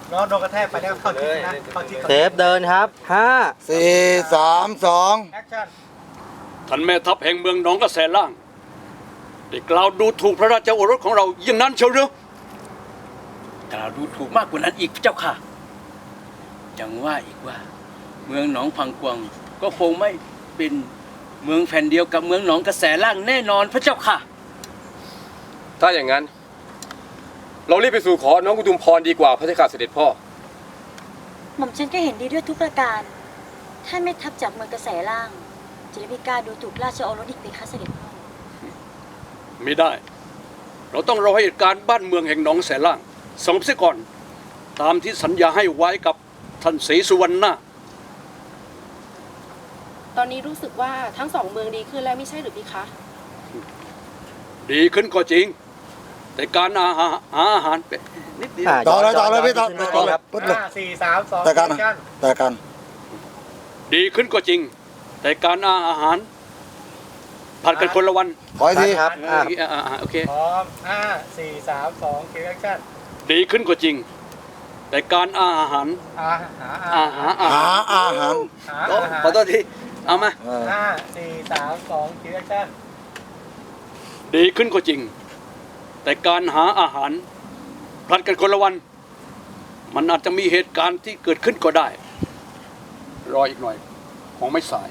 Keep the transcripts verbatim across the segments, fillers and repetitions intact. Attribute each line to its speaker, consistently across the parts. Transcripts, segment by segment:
Speaker 1: น้องโดนกระแทกไปแล้วเข้าทิศนะเข้าทิศ
Speaker 2: เซฟเดินครับห้า
Speaker 3: สี่สามสอง
Speaker 1: แอคชั่น
Speaker 4: ท่านแม่ทัพแห่งเมืองหนองกระแสล่างได้กล่าวดูถูกพระราชโอรสของเราอย่างนั้นเชียวหรือก
Speaker 5: ล่าวดูถูกมากกว่านั้นอีกเจ้าค่ะยังว่าอีกว่าเมืองหนองพังกวางก็คงไม่เป็นเมืองแผ่นเดียวกับเมืองหนองกระแสล่างแน่นอนพระเจ้าค่ะ
Speaker 6: ถ้าอย่างนั้น เรารีบไปสู่ขอน้องกุตุมพรดีกว่าพระเจ้าข้าเสด็จพ่อ
Speaker 7: หม่อมฉันก็เห็นดีด้วยทุกประการท่านไม่ทับจากเมืองกระแสล่างจะได้ไม่กล้าดูถูกราชโอรสอีกเพคะเสด็จพ่อ
Speaker 4: ไม่ได้ เราต้องรอให้เหตุการณ์บ้านเมืองแห่งหนองแสล่างสงบเสียก่อนตามที่สัญญาให้ไว้กับท่านศรีสุวรรณนา
Speaker 8: ตอนนี้รู้สึกว่าทั้งสองเมืองดีขึ้นแล้วไม่ใช่หรือพี่คะ
Speaker 4: ดีขึ้นก็จริง แต่การอาหารอาหารเป็นนิดเดียว
Speaker 3: ต่อเลยต่อเลยพี่ต่อ
Speaker 2: ขึ้น
Speaker 3: ต่อ
Speaker 2: มา
Speaker 3: เลย
Speaker 2: ครับ
Speaker 3: ปึ๊ดเลย
Speaker 1: ห้าสี่สามสอง
Speaker 3: แต่กัน
Speaker 1: แอคชั่น
Speaker 3: แต่กัน
Speaker 4: ดีขึ้นก็จริง แต่การอาหารผัดกันคนละวัน
Speaker 3: ขออีกที
Speaker 2: ครับอ่ะ
Speaker 4: อ่าโอเค
Speaker 1: พร้อมห้าสี่สามสองคิวแอคชั่น
Speaker 4: ดีขึ้นก็จริง แต่การอาหาร
Speaker 1: อาหา
Speaker 4: อาหารอา
Speaker 3: หา
Speaker 4: หาร
Speaker 3: อาหาร
Speaker 1: หา
Speaker 4: โอ้
Speaker 1: อาหาร
Speaker 4: ขอโทษทีเอามา
Speaker 3: เออ
Speaker 1: ห้าสี่สามสองคิวแอคชั่น
Speaker 4: ดีขึ้นก็จริง แต่การหาอาหารผลัดกันคนละวัน มันอาจจะมีเหตุการณ์ที่เกิดขึ้นก็ได้ รออีกหน่อยคงไม่สาย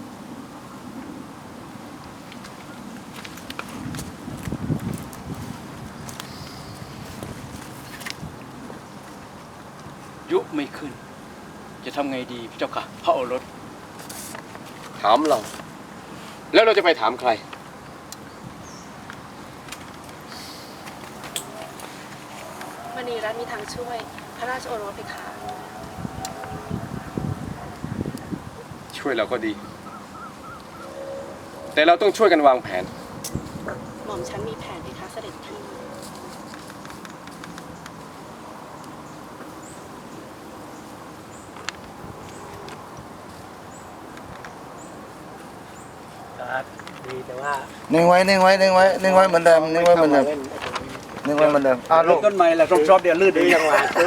Speaker 5: ยุไม่ขึ้น จะทำไงดีพระเจ้าค่ะพระโอรส
Speaker 6: ถามเรา แล้วเราจะไปถามใคร
Speaker 8: มณีรัตน์มีทางช่วยพระราชโอรสเพคะ
Speaker 6: ช่วยเราก็ดี แต่เราต้องช่วยกันวางแผน
Speaker 8: หม่อมฉันมีแผนเพคะเสด็จพี่
Speaker 1: ครับดีแต่ว่า
Speaker 3: นิ่งไว้นิ่งไว้นิ่งไว้นิ่งไว้เหมือนเดิมนิ่งไว้เหมือนเดิมนิ่งไว้เหมือนเดิมอ่ะลู
Speaker 4: เริ่ม
Speaker 3: ก
Speaker 4: ต้นใหม่แหละรอบๆเดียวลื่นดีจังหวะ